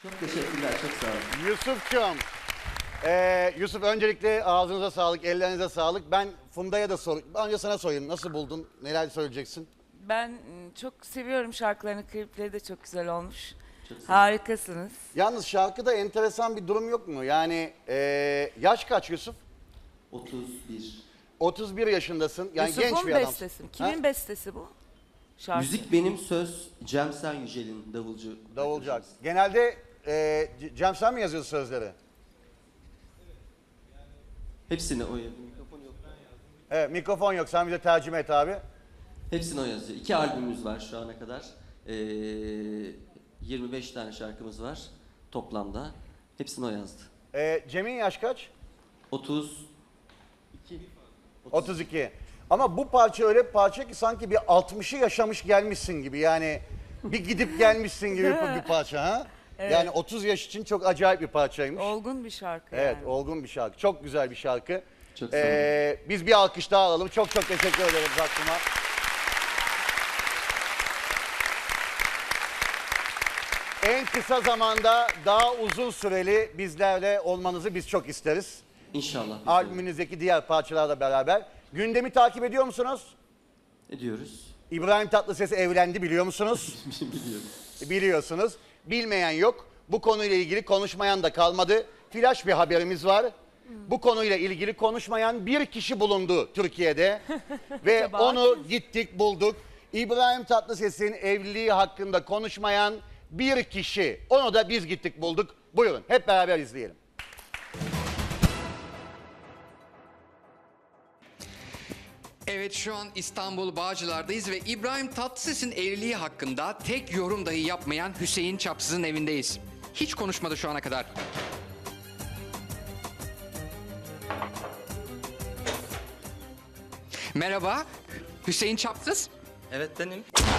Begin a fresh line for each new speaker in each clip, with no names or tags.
Çok teşekkürler, çok sağ olun.
Yusuf'cum, Yusuf öncelikle ağzınıza sağlık, ellerinize sağlık. Ben Funda'ya da önce sana sorayım. Nasıl buldun? Neler söyleyeceksin?
Ben çok seviyorum şarkılarını, klipleri de çok güzel olmuş.
Çok sağ olun.
Harikasınız.
Yalnız şarkıda enteresan bir durum yok mu? Yani yaş kaç Yusuf?
31.
31 yaşındasın. Yani genç
Yusuf'un
bir adamsın.
bestesi mi? Kimin
Ha?
bestesi bu? Şarkı.
Müzik benim, söz Cemsen Yücel'in, davulcu.
Davulcak. Genelde Cem sen mi yazıyorsun sözleri?
Hepsini o yazıyor. Mikrofon yok.
Evet, mikrofon yok. Sen bize tercüme et abi.
Hepsini o yazıyor. 2 albümümüz var şu ana kadar. 25 tane şarkımız var toplamda. Hepsini o yazdı.
Cem'in yaş kaç?
32.
32. Ama bu parça öyle bir parça ki sanki bir 60'ı yaşamış gelmişsin gibi. Yani bir gidip gelmişsin gibi bir parça ha?
Evet.
Yani 30 yaş için çok acayip bir parçaymış.
Olgun bir şarkı
Evet,
yani.
olgun bir şarkı. Çok güzel bir şarkı.
Çok sağ olun.
Biz bir alkış daha alalım. Çok çok teşekkür ederim Zakkum'a. En kısa zamanda daha uzun süreli bizlerle olmanızı biz çok isteriz.
İnşallah.
Albümünüzdeki diğer parçalarla beraber. Gündemi takip ediyor musunuz?
Ediyoruz.
İbrahim Tatlıses evlendi biliyor musunuz?
Biliyorum.
Biliyorsunuz. Bilmeyen yok. Bu konuyla ilgili konuşmayan da kalmadı. Flash bir haberimiz var. Bu konuyla ilgili konuşmayan bir kişi bulundu Türkiye'de. Ve
Acaba
onu gittik bulduk. İbrahim Tatlıses'in evliliği hakkında konuşmayan bir kişi. Onu da biz gittik bulduk. Buyurun hep beraber izleyelim.
Evet, şu an İstanbul Bağcılar'dayız ve İbrahim Tatlıses'in evliliği hakkında tek yorum dahi yapmayan Hüseyin Çapsız'ın evindeyiz. Hiç konuşmadı şu ana kadar. Merhaba, Hüseyin Çapsız.
Evet benim.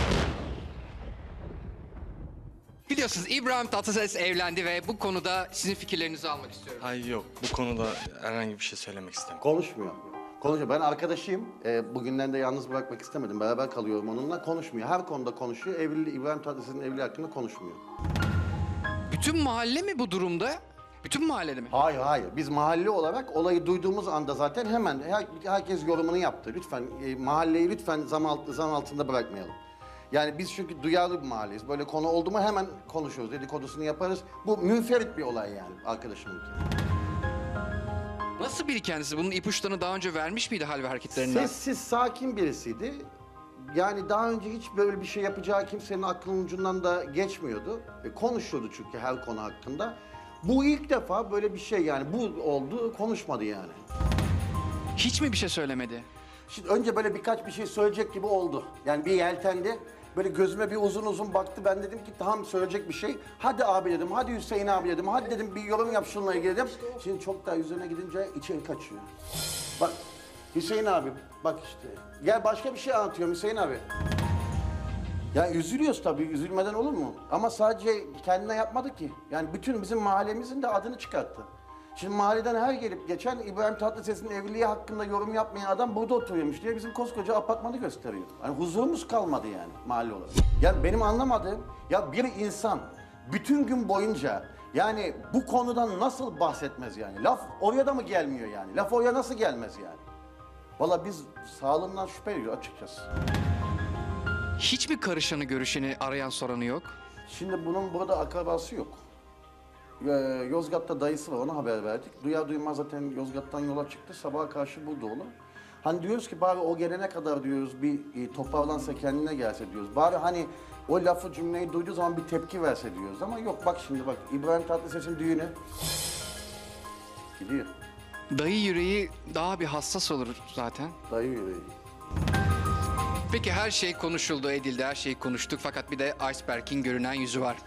Biliyorsunuz İbrahim Tatlıses evlendi ve bu konuda sizin fikirlerinizi almak istiyorum.
Ay yok, bu konuda herhangi bir şey söylemek istemiyorum.
Konuşmuyor. Konuşuyor. Ben arkadaşıyım. Bugünden de yalnız bırakmak istemedim. Beraber kalıyorum onunla. Konuşmuyor. Her konuda konuşuyor. İbrahim Tatlıses'in evliliği hakkında konuşmuyor.
Bütün mahalle mi bu durumda? Bütün mahallede mi?
Hayır hayır. Biz mahalle olarak olayı duyduğumuz anda zaten hemen herkes yorumunu yaptı. Lütfen mahalleyi lütfen zan altında bırakmayalım. Yani biz çünkü duyarlı bir mahalleyiz. Böyle konu oldu mu hemen konuşuyoruz. Dedikodusunu yaparız. Bu münferit bir olay yani arkadaşımınki.
Nasıl biri kendisi? Bunun ipuçlarını daha önce vermiş miydi hal ve hareketlerinden?
Sessiz, sakin birisiydi. Yani daha önce hiç böyle bir şey yapacağı kimsenin aklının ucundan da geçmiyordu. Konuşuyordu çünkü her konu hakkında. Bu ilk defa böyle bir şey yani bu oldu konuşmadı yani.
Hiç mi bir şey söylemedi?
Şimdi önce böyle birkaç bir şey söyleyecek gibi oldu. Yani bir yeltendi. Böyle gözüme bir uzun uzun baktı. Ben dedim ki tamam söyleyecek bir şey. Hadi abi dedim, hadi Hüseyin abi dedim. Hadi dedim bir yorum yap şununla ilgili dedim. Şimdi çok daha üzerine gidince içeri kaçıyor. Bak Hüseyin abi bak işte. Gel başka bir şey anlatıyorum Hüseyin abi. Ya üzülüyoruz tabii, üzülmeden olur mu? Ama sadece kendine yapmadı ki. Yani bütün bizim mahallemizin de adını çıkarttı. Şimdi mahalleden her gelip geçen İbrahim Tatlıses'in evliliği hakkında yorum yapmayan adam burada oturuyormuş diye bizim koskoca apartmanı gösteriyor. Yani huzurumuz kalmadı yani mahalle olarak. Ya benim anlamadığım, ya bir insan bütün gün boyunca yani bu konudan nasıl bahsetmez yani? Laf oraya da mı gelmiyor yani? Laf oraya nasıl gelmez yani? Vallahi biz sağlığından şüphe ediyoruz açıkçası.
Hiç mi karışanı görüşeni arayan soranı yok?
Şimdi bunun burada akrabası yok. Yozgat'ta dayısı var, ona haber verdik. Duyar duymaz zaten Yozgat'tan yola çıktı. Sabaha karşı burada oğlum. Hani diyoruz ki bari o gelene kadar diyoruz bir toparlansa kendine gelse diyoruz. Bari hani o lafı cümleyi duyduğu zaman bir tepki verse diyoruz. Ama yok bak şimdi bak İbrahim Tatlıses'in düğünü gidiyor.
Dayı yüreği daha bir hassas olur zaten.
Dayı yüreği.
Peki her şey konuşuldu, edildi, her şeyi konuştuk fakat bir de iceberg'in görünen yüzü var.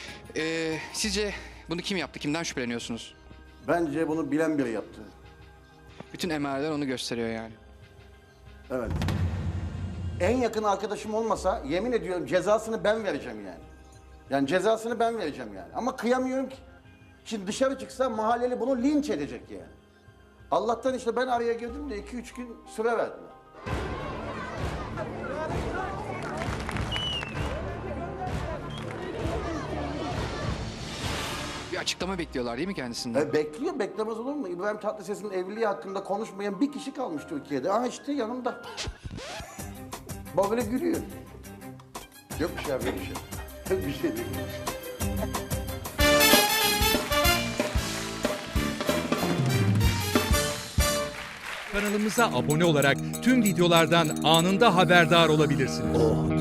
Sizce bunu kim yaptı, kimden şüpheleniyorsunuz?
Bence bunu bilen biri yaptı.
Bütün emareler onu gösteriyor yani.
Evet. En yakın arkadaşım olmasa yemin ediyorum cezasını ben vereceğim yani. Yani cezasını ben vereceğim yani. Ama kıyamıyorum ki. Şimdi dışarı çıksa mahalleli bunu linç edecek yani. Allah'tan işte ben araya girdim de 2-3 gün süre verdiler.
açıklama bekliyorlar değil mi kendisinden?
Bekliyor, beklemez olur mu? İbrahim Tatlıses'in evliliği hakkında konuşmayan bir kişi kalmış Türkiye'de. Aha işte yanımda. Bak böyle gülüyor. Yok bir şey abi, yok bir şey. Yok bir şey değil.
Kanalımıza abone olarak tüm videolardan anında haberdar olabilirsiniz.